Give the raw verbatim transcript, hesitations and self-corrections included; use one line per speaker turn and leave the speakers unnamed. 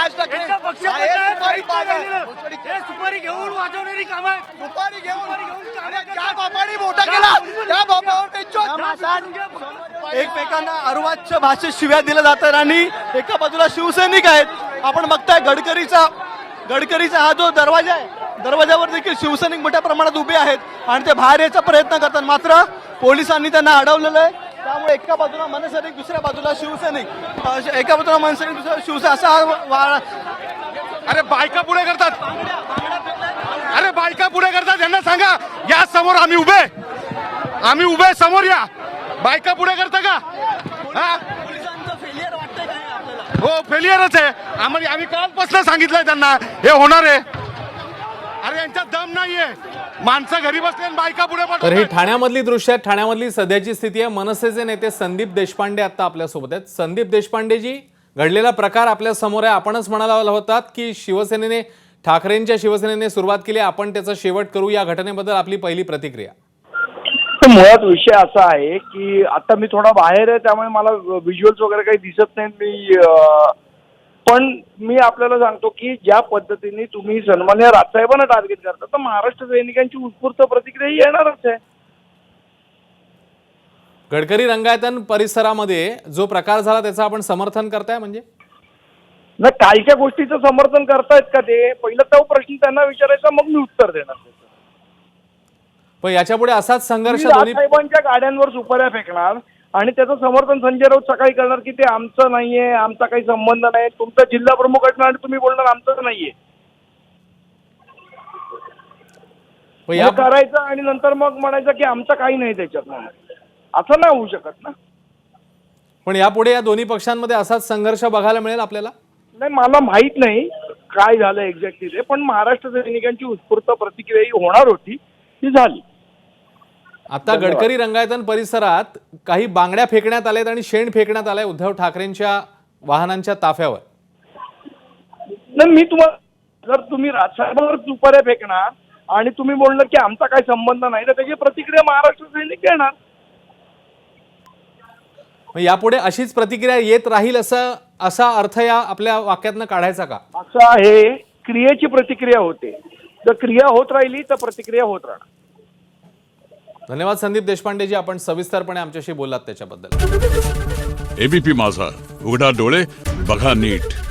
राज ठाकरे
यांचा पक्ष
आहे, सुपारी बाग आहे.
हे सुपारी घेऊन वाजवणारी काम आहे.
सुपारी घेऊन
काम
अरे त्या बापाने मोठा केला त्या बापावर
एकमेकांना अर्वाच्य भाषेत शिव्या दिल्या जातात आणि एका बाजूला शिवसैनिक आहेत. आपण बघताय गडकरीचा गडकरीचा हा जो दरवाजा आहे दरवाजावर देखील शिवसैनिक मोठ्या प्रमाणात उभे आहेत आणि ते बाहेर यायचा प्रयत्न करतात, मात्र पोलिसांनी त्यांना अडवलेलं आहे. त्यामुळे एका बाजूला मनसैनिक दुसऱ्या बाजूला शिवसैनिक, अ, एका बाजूला मनसैनिक दुसऱ्या शिवसैनिक असा हा वा-
अरे बायका पुढे करतात, अरे बायका पुढे करतात, यांना सांगा या समोर आम्ही उभे आम्ही उभे समोर या. बायका पुढे करता का? हा हो फेलियरच आहे. आम्हाला आम्ही कालपासून सांगितलंय त्यांना हे होणार आहे. अरे यांच्यात दम नाहीये, माणसं घरी बसले आणि बायका पुढे
तर ही
पाठवतात.
ठाण्यामधली दृश्य आहेत. ठाण्यामधली सध्याची स्थिती आहे. मनसेचे नेते संदीप देशपांडे आता आपल्यासोबत आहेत. संदीप देशपांडेजी, घडलेला प्रकार आपल्या समोर आहे. आपणच म्हणाला होतात की शिवसेनेने ठाकरेंच्या शिवसेनेने सुरुवात केली, आपण त्याचा शेवट करू. या घटनेबद्दल आपली पहिली प्रतिक्रिया.
मुळात विषय असा आहे की आता मी थोडा बाहेर आहे, त्यामुळे मला व्हिज्युअल्स वगैरे काही दिसत नाहीत. मी अं, पण मी आपल्याला सांगतो की ज्या पद्धतीने तुम्ही सन्मान्य राजसाहेबांना टार्गेट करता, तर महाराष्ट्र सैनिकांची उत्स्फूर्त प्रतिक्रिया ही येणारच आहे.
गडकरी रंगायतन परिसरामध्ये जो प्रकार झाला त्याचं आपण समर्थन करताय म्हणजे?
ना कालच्या गोष्टीचं समर्थन करतायत का ते? पहिला तो प्रश्न त्यांना विचारायचा, मग मी उत्तर देणार.
पण याच्यापुढे असाच संघर्ष
तुम्ही
दोन्ही
राजसाहेबांच्या गाड्यांवर सुपाऱ्या फेकणार आणि त्याचं समर्थन संजय राऊत सकाळी करणार की ते आमचं नाहीये, आमचा काही संबंध नाही. तुमचा जिल्हा प्रमुख असणार आणि तुम्ही बोलणार आमचं नाहीये.
पण
हे
या
करायचं आणि नंतर मग म्हणायचं की आमचं काही नाही त्याच्यात. म्हणून असं नाही होऊ शकत ना.
पण यापुढे या दोन्ही पक्षांमध्ये असाच संघर्ष बघायला मिळेल आपल्याला?
नाही, मला माहित नाही काय झालं एक्झॅक्टली ते, पण महाराष्ट्र सैनिकांची उत्स्फूर्त प्रतिक्रिया ही होणार होती, ती झाली.
आता गडकरी रंगायतन परिसरात काही बांगड्या फेकण्यात आल्यात आणि शेण फेकण्यात आलंय उद्धव ठाकरेंच्या वाहनांच्या ताफ्यावर.
नाही, मी तुम्हाला जर तुम्ही राजसाहेबांवर सुपाऱ्या फेकणार आणि तुम्ही बोललं की आमचा काही संबंध नाही, तर त्याची प्रतिक्रिया महाराष्ट्र सैनिक देणार.
मग यापुढे अशीच प्रतिक्रिया येत राहील असं असा अर्थ या आपल्या वाक्यातनं काढायचा का?
असं आहे, क्रियेची प्रतिक्रिया होते. जर क्रिया होत राहिली तर प्रतिक्रिया होत राहणार.
धन्यवाद संदीप देशपांडेजी, आपण सविस्तरपणे आमच्याशी बोललात त्याच्याबद्दल.
एबीपी माझा, उघडा डोळे बघा नीट.